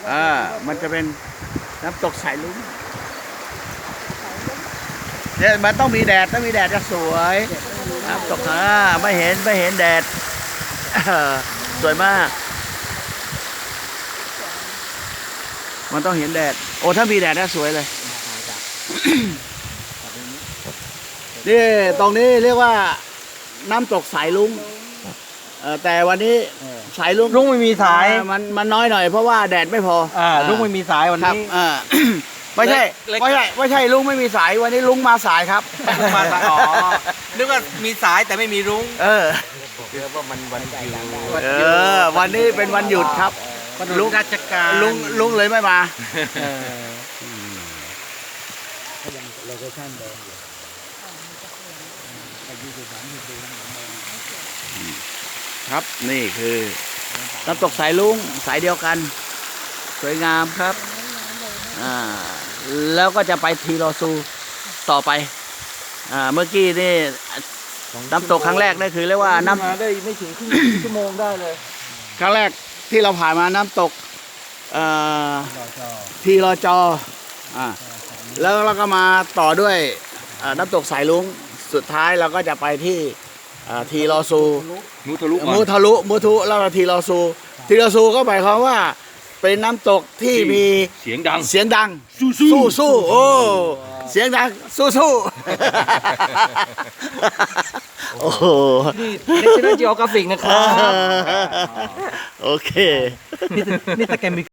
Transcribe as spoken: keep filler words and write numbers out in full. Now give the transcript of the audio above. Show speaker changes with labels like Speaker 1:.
Speaker 1: อ่ามันจะเป็นน้ำตกสายลุ้งเนี่ยมันต้องมีแดดต้องมีแดดจะสวยน้ำตกอ่าไม่เห็นไม่เห็นแดดสวยมากมันต้องเห็นแดดโอ้ถ้ามีแดดน่าสวยเลยนี่ตรงนี้เรียกว่าน้ำตกสายลุ้งแต่วันนี้สายลุ้ง
Speaker 2: ลุงไม่มีสาย
Speaker 1: มันมันน้อยหน่อยเพราะว่าแดดไม่พอ
Speaker 2: อ่าลุงไม่มีสายวัน
Speaker 1: ครับ
Speaker 2: นี้
Speaker 1: อ่า ไม่ใช่
Speaker 2: เล็ก
Speaker 1: ไม่ใช่ไม่ใช่ลุงไม่มีสายวันนี้ลุงมาสายครับ
Speaker 2: มาสายอ๋อนึกว่ามีสายแต่ไม่มีรุ้ง
Speaker 1: เออ
Speaker 2: เรียกว่ามันวันหยุด
Speaker 1: เออวันนี้เป็นวันหยุดครับ
Speaker 2: ลุงราชการ
Speaker 1: ลุงลุงเลยไม่มา
Speaker 2: เออ
Speaker 1: ครับนี่คือน้ำตกสายลุงสายเดียวกัน สวยงามครับอ่าแล้วก็จะไปทีรอซูต่อไปอ่าเมื่อกี้นี่น้ำตกครั้งแรกนี่คือเรียกว่าน้ำ
Speaker 2: มาได้ไม่ถึงครึ่งชั่วโมงได้เลย
Speaker 1: ครั้งแรกที่เราผ่านมาน้ำตกเอ่อทีรอจออ่าแล้วเราก็มาต่อด้วยอ่าน้ำตกสายลุงสุดท้ายเราก็จะไปที่อ่าทีรอซู
Speaker 2: มูทะลุ
Speaker 1: มูทะลุมูทุแล้วก็ทีรอซูทีรอซูก็หมายความว่าเป็นน้ำตกที่มี
Speaker 2: เสียงดัง
Speaker 1: เสียงดังสู้สู้โอ้เสียงดังสู้สู้โอ้โห
Speaker 2: นี่ National Geographic นะครับ
Speaker 1: โอเค
Speaker 2: นี่นี่ถ้าแกมี